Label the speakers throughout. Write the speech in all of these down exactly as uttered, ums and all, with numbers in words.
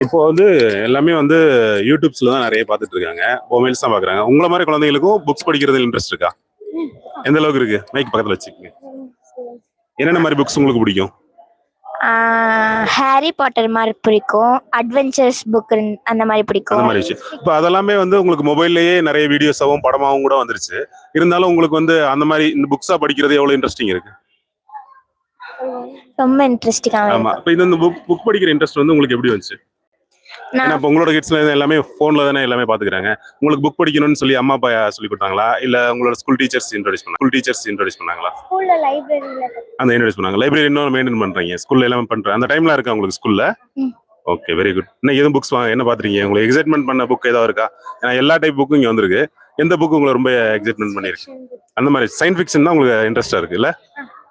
Speaker 1: இப்போ வந்து எல்லாமே வந்து யூடியூப்ஸ்ல தான் நிறைய பார்த்துட்டு இருக்காங்க, மொபைல்ஸ் தான் பார்க்குறாங்க. உங்களை மாதிரி குழந்தைகளுக்கும் புக்ஸ் படிக்கிறதுல இன்ட்ரெஸ்ட் இருக்கா? எந்த அளவுக்கு இருக்கு? மைக் பக்கத்தில் வச்சுக்கோங்க. என்னென்ன மாதிரி புக்ஸ் உங்களுக்கு பிடிக்கும்?
Speaker 2: ஹாரி பாட்டர் மாதிரி பிடிக்கும், அட்வென்ச்சர்ஸ் புக் அந்த மாதிரி பிடிக்கும்.
Speaker 1: அந்த மாதிரி விஷயம் இப்போ அதெல்லாமே வந்து உங்களுக்கு மொபைல்லையே நிறைய வீடியோஸாகவும் படமாகவும் கூட வந்துருச்சு. இருந்தாலும் உங்களுக்கு வந்து அந்த மாதிரி இந்த புக்ஸா படிக்கிறது எவ்வளவு இன்ட்ரெஸ்டிங் இருக்கு?
Speaker 2: ரொம்ப இன்ட்ரெஸ்டிங்காக.
Speaker 1: ஆமா, இப்போ இந்த புக் புக் படிக்கிற இன்ட்ரெஸ்ட் வந்து உங்களுக்கு எப்படி வந்துச்சு? ஏன்னா இப்போ உங்களோட கிட்ஸ்ல எல்லாமே போன்ல தானே எல்லாமே பாத்துக்கிறாங்க. உங்களுக்கு புக் படிக்கணும்னு சொல்லி அம்மா அப்பா சொல்லி கொடுத்தாங்களா, இல்ல உங்களோட ஸ்கூல் டீச்சர்ஸ் இன்ட்ரோடியூஸ் பண்ணாங்க? ஸ்கூல் டீச்சர்ஸ் இன்ட்ரோடியூஸ் பண்ணாங்களா?
Speaker 2: ஸ்கூல்ல லைப்ரரியில
Speaker 1: அந்த இன்ட்ரோடியூஸ் பண்ணாங்க. லைப்ரரி இன்னும் மெயின்டைன் பண்றீங்க, ஸ்கூல்ல எல்லாமே பண்றேன் அந்த டைம்ல இருக்கா உங்களுக்கு ஸ்கூல்ல? Okay, very good. இன்னைக்கு எதுவும் புக்ஸ் வாங்க என்ன பாத்துறீங்க? உங்களுக்கு எக்ஸைட்மெண்ட் பண்ண புக் ஏதாவது இருக்கா? ஏன்னா எல்லா டைப் புக்கும் இங்க வந்திருக்கு. எந்த புக் உங்களை ரொம்ப எக்ஸைட்மெண்ட் பண்ணிருக்கு? அந்த மாதிரி சயின்ஸ் ஃபிக்ஷன் தான் உங்களுக்கு இன்ட்ரெஸ்டா இருக்கு இல்ல?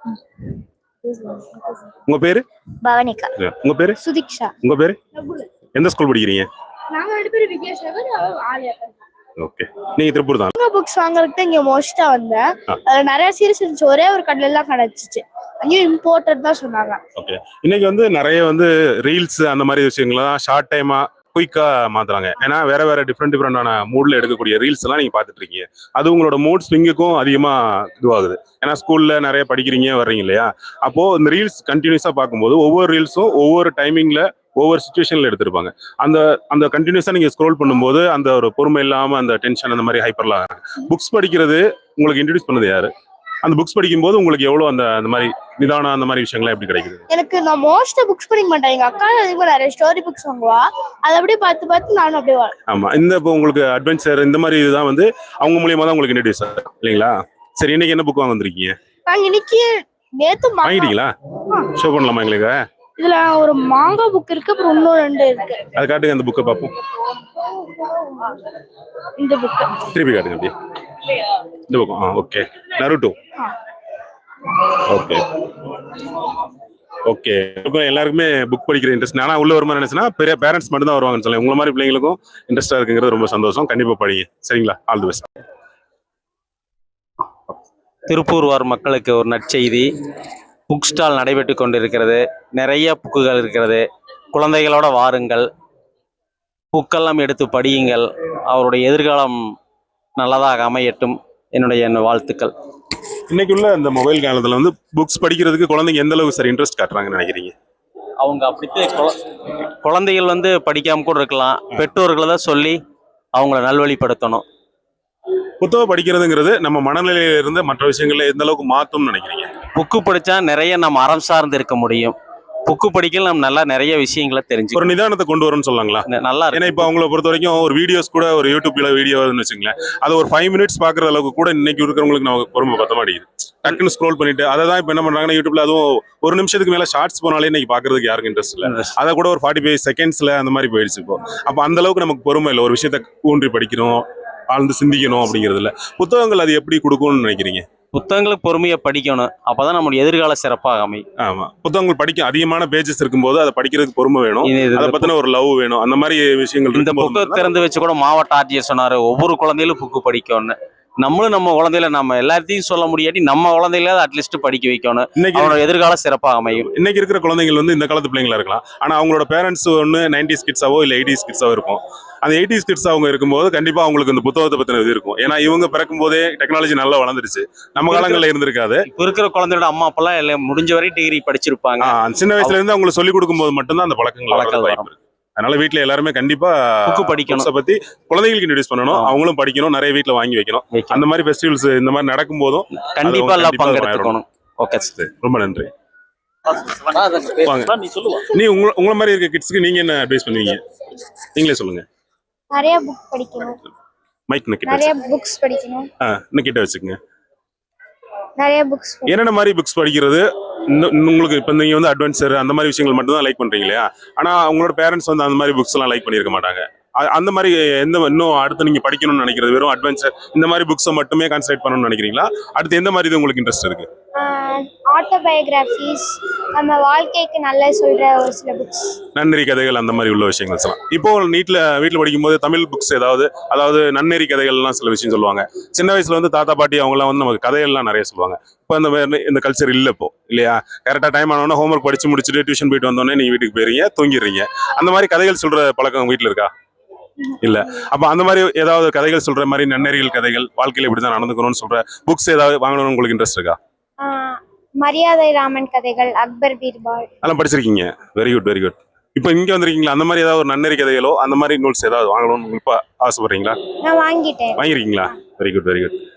Speaker 1: உங்க பேரு?
Speaker 2: பவனிகா.
Speaker 1: உங்க பேரு?
Speaker 2: சுதிக்ஷா.
Speaker 1: உங்க பேரு? எந்த ஸ்கூல் படிக்கிறீங்க?
Speaker 2: நாங்க ரெண்டு பேரும் விக்னேஷ் நகர், ஆலியா.
Speaker 1: ஓகே, நீங்க திருப்பூர் தான்.
Speaker 2: புக்ஸ் வாங்குறதுக்கு இங்க மோஸ்டா வந்தேன். அதுல நிறைய சீரிஸ் இருந்துச்சு, ஒரே ஒரு கடையில எல்லாம் கிடைச்சிச்சு. அங்கேயும் இம்போர்ட்டட் தான் சொன்னாங்க.
Speaker 1: ஓகே, இன்னைக்கு வந்து நிறைய வந்து ரீல்ஸ் அந்த மாதிரி விஷயங்கள்லாம் ஷார்ட் டைமா குயிக்கா மாத்துறாங்க. ஏன்னா வேற வேற டிஃப்ரெண்ட் டிஃப்ரெண்டான மூட்ல எடுக்கக்கூடிய ரீல்ஸ் எல்லாம் நீங்க பாத்துட்டு இருக்கீங்க. அது உங்களோட மூட் ஸ்விங்குக்கும் அதிகமா இதுவாகுது. ஏன்னா ஸ்கூல்ல நிறைய படிக்கிறீங்க வர்றீங்க இல்லையா? அப்போ இந்த ரீல்ஸ் கண்டினியூஸா பார்க்கும்போது ஒவ்வொரு ரீல்ஸும் ஒவ்வொரு டைமிங்ல ஒவ்வொரு சுச்சுவேஷன்ல எடுத்திருப்பாங்க. அந்த அந்த கண்டினியூஸா நீங்க ஸ்க்ரோல் பண்ணும்போது அந்த ஒரு பொறுமை இல்லாம அந்த டென்ஷன் அந்த மாதிரி ஹைப்பர்லாம் புக்ஸ் படிக்கிறது உங்களுக்கு இன்ட்ரடியூஸ் பண்ணது யாரு? அந்த புக்ஸ் படிக்கும்போது உங்களுக்கு எவ்வளவு அந்த அந்த மாதிரி நிதானம் அந்த மாதிரி விஷயங்கள்லாம் எப்படி கிடைக்குது?
Speaker 2: எனக்கு நான் மோஸ்டா புக்ஸ் படிக்க மாட்டேன். எங்க அக்கா அதிகமா நிறைய ஸ்டோரி புக்ஸ் வாங்குவா, அதை அப்படியே பார்த்து பார்த்து நானும் அப்படியே.
Speaker 1: ஆமா, இந்த இப்போ உங்களுக்கு அட்வென்ச்சர் இந்த மாதிரி இதுதான் வந்து அவங்க மூலியமா தான் உங்களுக்கு இன்ட்ரடியூஸ் ஆகுது இல்லைங்களா? சரி, இன்னைக்கு என்ன புக் வாங்க வந்திருக்கீங்க?
Speaker 2: நாங்க இன்னைக்கு நேத்து
Speaker 1: வாங்கிட்டீங்களா? ஷோ பண்ணலாமா எங்களுக்கு?
Speaker 2: இதுல ஒரு மாங்கா புக் இருக்கு, அப்புறம் இன்னும் ரெண்டு இருக்கு.
Speaker 1: அது காட்டுங்க, அந்த புக்கை பார்ப்போம்.
Speaker 2: இந்த புக்
Speaker 1: திருப்பி காட்டுங்க அப்படியே. இந்த புக். ஆ, ஓகே. நருட்டோ. Okay okay. இப்போ எல்லாருக்குமே புக் படிக்கிற இன்ட்ரெஸ்ட். ஆனா உள்ள வருமா நினைச்சுன்னா பெரிய பேரண்ட்ஸ் மட்டும் தான் வருவாங்கன்னு சொல்லி உங்களை மாதிரி பிள்ளைங்களுக்கும் இன்ட்ரெஸ்டா இருக்குங்கிறது ரொம்ப சந்தோஷம். கண்டிப்பா படிங்க, சரிங்களா? All the best.
Speaker 3: திருப்பூர் வார் மக்களுக்கு ஒரு நற்செய்தி. புக் ஸ்டால் நடைபெற்று கொண்டிருக்கிறது. நிறைய புக்குகள் இருக்கிறது. குழந்தைகளோட வாருங்கள், புக்கெல்லாம் எடுத்து படியுங்கள். அவருடைய எதிர்காலம் நல்லதாக அமையட்டும். என்னுடைய வாழ்த்துக்கள்.
Speaker 1: இன்னைக்கு உள்ள இந்த மொபைல் காலத்துல வந்து புக்ஸ் படிக்கிறதுக்கு குழந்தைங்க எந்த அளவுக்கு சார் இன்ட்ரெஸ்ட் காட்டுறாங்கன்னு நினைக்கிறீங்க?
Speaker 3: அவங்க அப்படித்தே குழந்தைகள் வந்து படிக்காம கூட இருக்கலாம். பெற்றோர்களை தான் சொல்லி அவங்கள நல்வழிப்படுத்தணும்.
Speaker 1: புத்தகம் படிக்கிறதுங்கிறது நம்ம மனநிலையில இருந்து மற்ற விஷயங்கள்ல எந்த அளவுக்கு மாத்தும்னு நினைக்கிறீங்க?
Speaker 3: புக்கு படிச்சா நிறைய நம்ம அறம் சார்ந்து இருக்க முடியும். புக்கு படிக்கல நம்ம நல்லா நிறைய விஷயங்களை தெரிஞ்சு
Speaker 1: ஒரு நிதானத்தை கொண்டு வரும்னு சொல்லலாங்களா?
Speaker 3: நல்லா இருக்கு.
Speaker 1: ஏன்னா இப்போ அவங்கள பொறுத்த வரைக்கும் ஒரு வீடியோஸ் கூட ஒரு யூடியூப்ல வீடியோன்னு வச்சுங்களேன், அது ஒரு ஃபைவ் மினிட்ஸ் பாக்குற அளவுக்கு கூட இன்னைக்கு இருக்கிறவங்களுக்கு நமக்கு பொறுமை பத்த மாட்டேங்குது. டக்குன்னு ஸ்க்ரோல் பண்ணிட்டு அதை தான் இப்போ என்ன பண்றாங்கன்னா யூடியூப்ல அதுவும் ஒரு நிமிஷத்துக்கு மேல ஷார்ட்ஸ் போனாலே இன்னைக்கு பாக்குறதுக்கு யாருக்கும் இன்ட்ரெஸ்ட் இல்லை. அதை கூட ஒரு ஃபார்ட்டி ஃபைவ் செகண்ட்ஸ்ல அந்த மாதிரி போயிடுச்சு இப்போ. அப்போ அந்த அளவுக்கு நமக்கு பொறுமை இல்லை. ஒரு விஷயத்த ஊன்றி படிக்கணும், ஆழ்ந்து சிந்திக்கணும் அப்படிங்கிறதுல புத்தகங்கள் அது எப்படி கொடுக்கும்னு நினைக்கிறீங்க?
Speaker 3: புத்தகங்களுக்கு பொறுமையை படிக்கணும். அப்பதான் நம்மளுடைய எதிர்கால சிறப்பாக அமையும்.
Speaker 1: ஆமா, புத்தகங்கள் படிக்க அதிகமான பேஜஸ் இருக்கும்போது அதை படிக்கிறதுக்கு பொறுமை வேணும், அதை பத்தின ஒரு லவ் வேணும், அந்த மாதிரி விஷயங்கள்.
Speaker 3: இந்த புத்தகம் திறந்து வச்சு கூட மாவட்ட ஆட்சியர் சொன்னாரு, ஒவ்வொரு குழந்தைகளும் புக்கு படிக்கணும்னு. நம்மளும் நம்ம குழந்தையில நம்ம எல்லாத்தையும் சொல்ல முடியாட்டி நம்ம குழந்தையில அட்லீஸ்ட் படிக்க வைக்கணும். அவனோட எதிர்கால சிறப்பாக அமையும்.
Speaker 1: இன்னைக்கு இருக்கிற குழந்தைகள் வந்து இந்த காலத்து பிள்ளைங்களா இருக்கலாம், ஆனா அவங்களோட பேரண்ட்ஸ் ஒன்று நைன்டிஸ் கிட்ஸாவோ இல்லை எயிட்டிஸ் கிட்ஸாவோ இருக்கும். அந்த எயிட்டிஸ் கிட்ஸ் அவங்க இருக்கும்போது கண்டிப்பா அவங்களுக்கு இந்த புத்தகத்தை பத்தின இது இருக்கும். ஏன்னா இவங்க பிறக்கும் போதே டெக்னாலஜி நல்லா வளர்ந்துருச்சு, நம்ம காலங்கள்ல இருந்திருக்காது.
Speaker 3: இப்ப இருக்கிற குழந்தையோட அம்மா அப்பெல்லாம் எல்லாம் முடிஞ்ச வரை டிகிரி படிச்சிருப்பாங்க.
Speaker 1: சின்ன வயசுல இருந்து அவங்களுக்கு சொல்லிக் கொடுக்கும் போது மட்டும்தான் அந்த பழக்கங்கள் வாய்ப்பு இருக்கு. அதனால வீட்டுல எல்லாருமே கண்டிப்பா
Speaker 3: புக்கு படிக்கணும்,
Speaker 1: பத்தி குழந்தைகளுக்கு இன்ட்ரோடியூஸ் பண்ணணும், அவங்களும் படிக்கணும், நிறைய வீட்டுல வாங்கி வைக்கணும். அந்த மாதிரி ஃபெஸ்டிவல்ஸ் இந்த மாதிரி நடக்கும் போதும்
Speaker 3: கண்டிப்பா எல்லாம் பங்கெடுத்துக்கணும். ஓகே சார்,
Speaker 1: ரொம்ப நன்றி. நீ உங்க உங்களை மாதிரி இருக்க கிட்ஸ்க்கு நீங்க என்ன அட்வைஸ் பண்ணுவீங்க? நீங்களே சொல்லுங்க.
Speaker 2: நிறைய புக் படிக்கணும்.
Speaker 1: மைக் கிட்ட
Speaker 2: நிறைய புக்ஸ் படிக்கணும்.
Speaker 1: ஆ, இன்ன கிட்ட வச்சுக்கங்க.
Speaker 2: நிறைய புக்ஸ்.
Speaker 1: என்னென்ன மாதிரி புக்ஸ் படிக்கிறது உங்களுக்கு? இப்போ நீங்க வந்து அட்வென்ச்சர் அந்த மாதிரி விஷயங்கள் மட்டும் தான் லைக் பண்றீங்க இல்லையா? ஆனா உங்களோட பேரண்ட்ஸ் வந்து அந்த மாதிரி புக்ஸ் எல்லாம் லைக் பண்ணிருக்க மாட்டாங்க. அ- அந்த மாதிரி எந்த இன்னும் அடுத்து நீங்க படிக்கணும்னு நினைக்கிறது வெறும் அட்வென்ச்சர் இந்த மாதிரி புக்ஸை மட்டுமே கான்சன்ட்ரேட் பண்ணணும்னு நினைக்கிறீங்களா? அடுத்து எந்த மாதிரி இது உங்களுக்கு இன்ட்ரெஸ்ட் இருக்கு?
Speaker 2: ஆட்டோபயோகிராஃபிஸ் நம்ம வாழ்க்கைக்கு நல்ல சொல்ற ஒரு சில புக்ஸ்.
Speaker 1: நன்னெறி கதைகள் அந்த மாதிரி உள்ள விஷயங்கள் எல்லாம். இப்போ நீட்ல வீட்டில் படிக்கும்போது தமிழ் புக்ஸ் ஏதாவது, அதாவது நன்னெறி கதைகள்லாம் சில விஷயம் சொல்லுவாங்க. சின்ன வயசுல வந்து தாத்தா பாட்டி அவங்கலாம் வந்து நமக்கு கதைகள்லாம் நிறைய சொல்லுவாங்க. இப்போ அந்த மாதிரி இந்த கல்ச்சர் இல்லை இப்போ இல்லையா? கரெக்டாக டைம் ஆனோன்னா ஹோம்ஒர்க் படிச்சு முடிச்சுட்டு டியூஷன் போயிட்டு வந்தோடனே நீங்க வீட்டுக்கு போயிருங்க, தூங்கிடுறீங்க. அந்த மாதிரி கதைகள் சொல்ற பழக்கம் வீட்டில் இருக்கா? இல்ல. அப்ப அந்த மாதிரி ஏதாவது கதைகள் சொல்ற மாதிரி நன்னெறிகள் கதைகள், வாழ்க்கையில இப்படிதான் நடந்துக்கணும்னு சொல்ற புக்ஸ் ஏதாவது வாங்கணும்னு உங்களுக்கு இன்ட்ரெஸ்ட் இருக்கா?
Speaker 2: மரியாதை ராமன் கதைகள், அக்பர் பீர்பால்
Speaker 1: அதெல்லாம் படிச்சிருக்கீங்க. Very good very good. இப்போ இங்க வந்திருக்கீங்களா? அந்த மாதிரி ஏதாவது ஒரு நன்னெறி கதைகளோ அந்த மாதிரி நூல்ஸ் ஏதாவது வாங்கணும்னு இப்ப ஆசைப்படுறீங்களா?
Speaker 2: நான் வாங்கிட்டேன்.
Speaker 1: வாங்கிருக்கீங்களா? Very good very good.